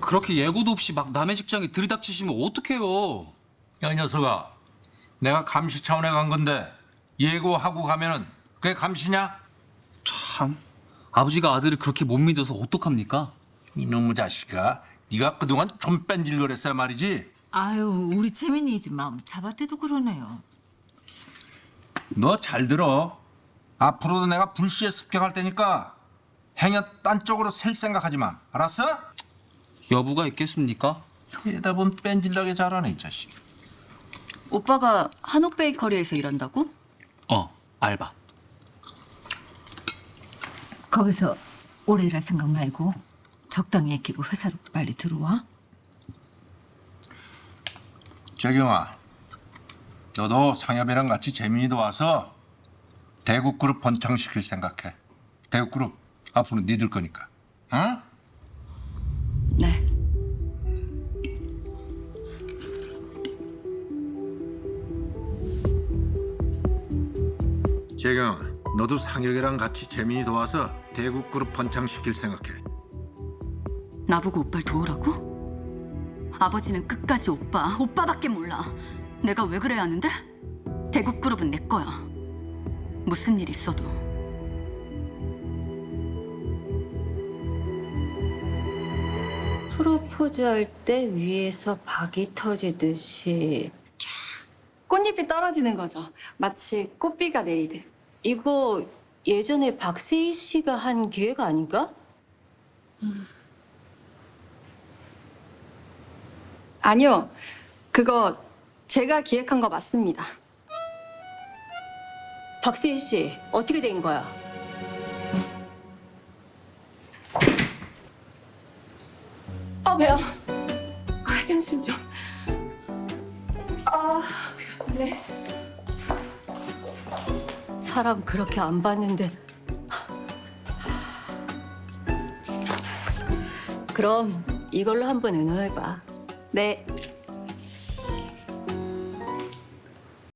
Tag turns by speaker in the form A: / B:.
A: 그렇게 예고도 없이 막 남의 직장에 들이닥치시면 어떡해요?
B: 야, 이 녀석아. 내가 감시 차원에 간 건데 예고하고 가면은 그게 감시냐?
A: 참, 아버지가 아들을 그렇게 못 믿어서 어떡합니까?
B: 이놈의 자식아. 네가 그동안 좀 뺀질거렸어야 말이지.
C: 아유, 우리 채민이 집 마음 잡아대도 그러네요.
B: 너 잘 들어. 앞으로도 내가 불시에 습격할 테니까 행여 딴 쪽으로 셀 생각하지 마. 알았어?
A: 여부가 있겠습니까?
B: 대답은 뺀질나게 잘하네 이 자식.
D: 오빠가 한옥 베이커리에서 일한다고?
A: 알바.
C: 거기서 오래 일할 생각 말고 적당히 아끼고 회사로 빨리 들어와.
B: 재경아, 너도 상엽이랑 같이 재민이도 와서 대국그룹 번창시킬 생각해. 대국그룹 앞으로 니들 거니까. 응?
D: 네.
B: 재경아, 너도 상혁이랑 같이 재민이 도와서 대국그룹 번창시킬 생각해.
D: 나보고 오빠를 도우라고? 아버지는 끝까지 오빠밖에 몰라. 내가 왜 그래야 하는데? 대국그룹은 내 거야. 무슨 일 있어도.
E: 프로포즈 할 때 위에서 박이 터지듯이
F: 꽃잎이 떨어지는 거죠. 마치 꽃비가 내리듯.
E: 이거 예전에 박세희 씨가 한 기획 아닌가?
F: 아니요. 그거 제가 기획한 거 맞습니다.
E: 박세희 씨 어떻게 된 거야?
F: 배야. 화장실 좀. 네.
E: 사람 그렇게 안 봤는데. 그럼 이걸로 한번 은호해봐.
F: 네.